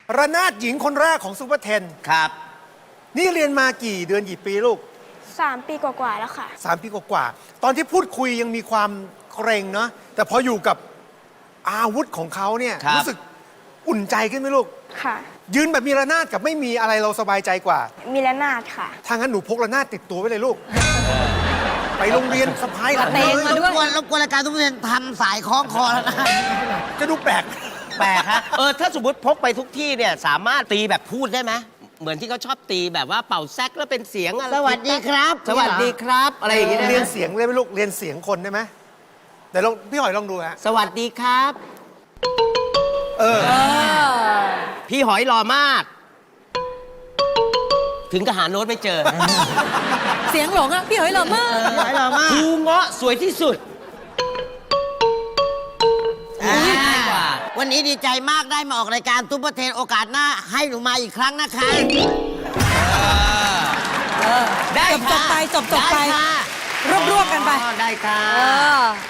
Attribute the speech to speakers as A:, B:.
A: ระนาดหญิงคนแรกของซูเปอร์เทน
B: ครับ
A: นี่เรียนมากี่เดือนกี่ปีลูก
C: 3 ปีกว่าๆแล้วค่ะ
A: 3 ปีกว่าๆตอนที่พูดคุยยังมีความเกรงเนาะแต่พออยู่กับอาวุธของเขาเนี่ย
B: ครับ
A: รู้สึกอุ่นใจขึ้นไหมลูก
C: ค่ะ
A: ยืนแบบมีระนาดกับไม่มีอะไรเราสบายใจกว่า
C: มีระนาดค่ะ
A: ถ้างั้นหนูพกระนาดติดตัวไว้เลยลูก ไปโรงเรียนสะพายหลัง
D: เตง
A: เลย
D: มาด้วย
E: รบกวนรายการทุกเรียนทำสายคล้องคอแล้วนะ
A: จะดูแปลก
B: แปลกฮะถ้าสมมติพกไปทุกที่เนี่ยสามารถตีแบบพูดได้ไหมเหมือนที่เขาชอบตีแบบว่าเป่าแซกแล้วเป็นเสียงอะไร
E: สวัสดีครับ
B: สวัสดีครับ อะไรอย่างเงี้ย
A: เรียนเสียงเลยไหมลูกเรียนเสียงคนได้ไหมเดี๋ยวลองพี่หอยลองดูฮะ
B: สวัสดีครับ พี่หอยหล่อมาก ถึงกับหาโน้ตไม่เจอ
D: เสียงหลงอ่ะ พี่หอยหล่อมาก
E: หลายเรามาก
B: ครูเงาะสวยที่สุด ง่ายกว่า
E: วันนี้ดีใจมากได้มาออกรายการซุปเปอร์เทนโอกาสหน้าให้หนูมาอีกครั้งนะคะ
B: ได้
D: จบ
B: ค่ะ
D: ไปจบไป
B: ได้ค่ะ
D: รวบๆกันไป
B: อ๋อได้ค่ะ
D: เออ